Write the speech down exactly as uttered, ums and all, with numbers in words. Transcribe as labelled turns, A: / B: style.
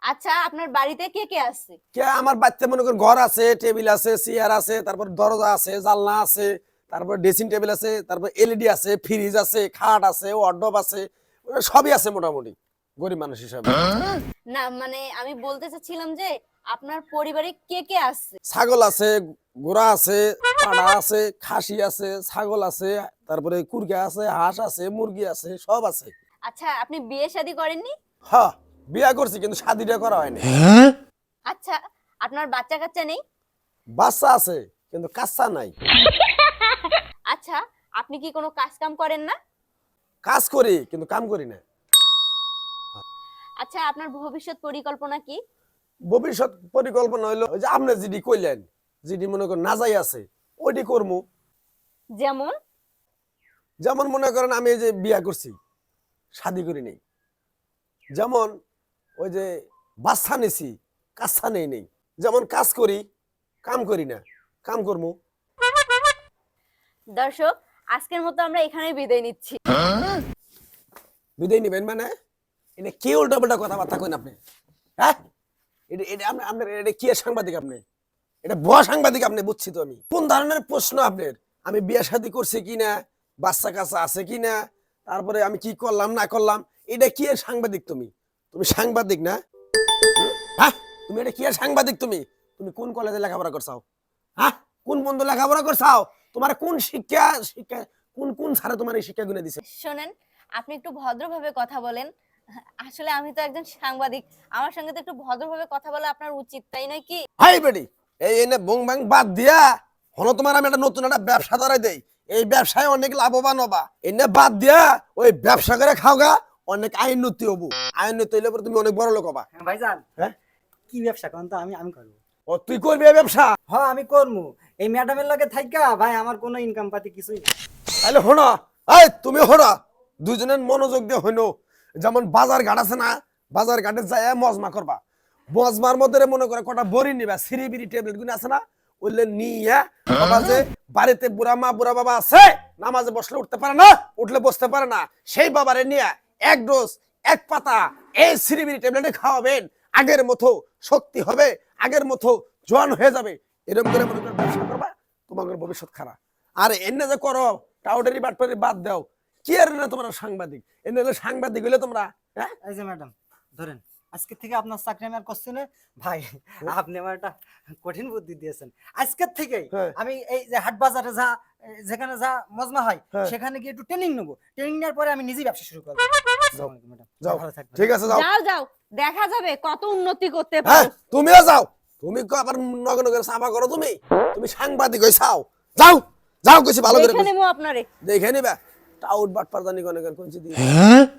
A: আচ্ছা, আপনার বাড়িতে কে কে আছে?
B: কে আমার বাচ্চা মনে করেন ঘর আছে, টেবিল আছে, চেয়ার আছে, তারপর দরজা আছে, জানলা আছে, তারপর ড্রেসিং টেবিল আছে, তারপর এলইডি আছে, ফ্রিজ আছে, খাট আছে, ওয়ার্ডরোব আছে, ওগুলো সবই আছে মোটামুটি গরিব মানুষ হিসাবে।
A: না মানে আমি বলতে চাচ্ছিলাম যে আপনার পরিবারে কে কে আছে?
B: ছাগল আছে, ঘোড়া আছে, পাড়া আছে, খাসি আছে, ছাগল আছে, তারপরে কুরগা আছে, হাঁস আছে, মুরগি আছে, সব আছে।
A: আচ্ছা, আপনি বিয়ে শাদী করেননি?
B: হ্যাঁ, বিয়া করছি কিন্তু শাদিটা করা হয়নি।
A: আচ্ছা, আপনার বাচ্চা কাচ্চা নেই?
B: বাচ্চা আছে কিন্তু কাচ্চা নাই।
A: আচ্ছা, আপনি কি কোনো কাজ কাম করেন না?
B: কাজ করি কিন্তু কাম করি না।
A: আচ্ছা, আপনার ভবিষ্যৎ পরিকল্পনা কি?
B: ভবিষ্যৎ পরিকল্পনা হইলো ওই যে আপনি যেটি কইলেন, যেটি মনে করেন না যাই আছে ওইটি করবো।
A: যেমন?
B: যেমন মনে করেন আমি এই যে বিয়া করছি, শাদি করি নেই, যেমন ওই যে বাচ্চা নিছি, কাচ্চা নেই নেই, যেমন কাজ করি কাম করি না, কাম করবো।
A: দর্শক, আজকের মতো আমরা এখানেই বিদায় নিচ্ছি।
B: বিদায় নিবেন মানে এটা কি উল্টা পাল্টা কথাবার্তা কইন আপনি? হ্যাঁ, এটা এটা আপনি আপনার এটা কি সাংবাদিক আপনি? এটা ভুয়া সাংবাদিক আপনি, বুঝছি তো আমি। কোন ধরনের প্রশ্ন আপনার? আমি বিয়ে শাদী করছি কিনা, বাচ্চা কাচ্চা আছে কিনা, তারপরে আমি কি করলাম না করলাম, এটা কি এর সাংবাদিক তুমি? তুমি সাংবাদিক না? হুম? হ্যাঁ, তুমি এটা কি এর সাংবাদিক তুমি? তুমি কোন কলেজে লেখাপড়া করছাও? হ্যাঁ, কোন বন্ধু লেখাপড়া করছাও? তোমার কোন শিক্ষা শিক্ষা কোন কোন স্যারে তোমার এই শিক্ষা গুলো দিছে?
A: শোনেন, আপনি একটু ভদ্রভাবে কথা বলেন। আসলে আমি তো একজন সাংবাদিক, আমার সঙ্গে তো একটু ভদ্রভাবে কথা বলা আপনার উচিত, তাই নয় কি?
B: হাই বেডি, এই এনে বং বাং বাদ দিয়া হলো তোমার আমি একটা নতুন একটা ব্যবসা ধরাই দেই। এই ব্যবসায় অনেক লাভবান হবা। এনে বাদ দিয়া ওই ব্যবসা করে খাওগা, অনেক আইনতি হবো। আইনতি হইলে পরে তুমি অনেক বড় লোক হবা।
C: হ্যাঁ ভাইজান,
B: হ্যাঁ,
C: কি ব্যবসা করেন তো? আমি আমি করবো।
B: ও তুই করবি এই ব্যবসা?
C: হ্যাঁ আমি করবো। এই ম্যাডামের লগে থাইকা ভাই আমার কোনো ইনকাম পাতি কিছুই না।
B: তাহলে হনো, এই তুমি হনো, দুজনের মনোযোগ দিয়ে হইনো। যেমন বাজার ঘাট আছে না, বাজার ঘাটে যায় মজমা করবা। মজমার মধ্যে মনে করে কটা বড়ি নিবা, সিঁড়ি বিড়ি ট্যাবলেট গুলো আছে না, ওইলে নিয়ে বাবা যে বাড়িতে বুড়া মা বুড়া বাবা আছে, নামাজে বসলে উঠতে পারে না, উঠলে বসতে পারে না, সেই বাবারে নিয়ে এক ডোজ এক পাতা এই সিঁড়ি বিড়ি ট্যাবলেটে খাওয়াবেন। আগের মতো শক্তি হবে, আগের মতো জোয়ান হয়ে যাবে। এরকম করে মনে করে ব্যবসা করবা, তোমাদের ভবিষ্যৎ খারাপ। আর এনে যে করো টাউডারি বাটপারি বাদ দাও, কি আর না তোমরা সাংবাদিক, এনে হলে সাংবাদিক হইলে তোমরা। হ্যাঁ,
C: এই যে ম্যাডাম ধরেন, আজকে থেকে আপনার চাকরি আমি আর করছি না ভাই। আপনি আমার একটা কঠিন বুদ্ধি দিয়েছেন। আজকের থেকে
B: হ্যাঁ।
C: আমি এই যে হাট বাজারে যা যেখানে যা মজমা হয়
B: হ্যাঁ।
C: সেখানে গিয়ে একটু ট্রেনিং নেবো। ট্রেনিং নেওয়ার পরে আমি নিজেই ব্যবসা শুরু করবো। আসসালামু আলাইকুম ম্যাডাম,
B: যাও,
C: ভালো থাকবেন।
B: ঠিক আছে যাও।
A: যাও যাও, দেখা যাবে কত উন্নতি করতে
B: হ্যাঁ,
A: পারো।
B: তুমিও যাও। তুমি কো আবার নগর নগর সাফা করো, তুমি তুমি সাংবাদিক হইছাও। যাও যাও, কইছি ভালো করে
A: দেখে নেবো আপনারে।
B: দেখে নিবা। টাউট বাটপার জানি কোন কোন কোন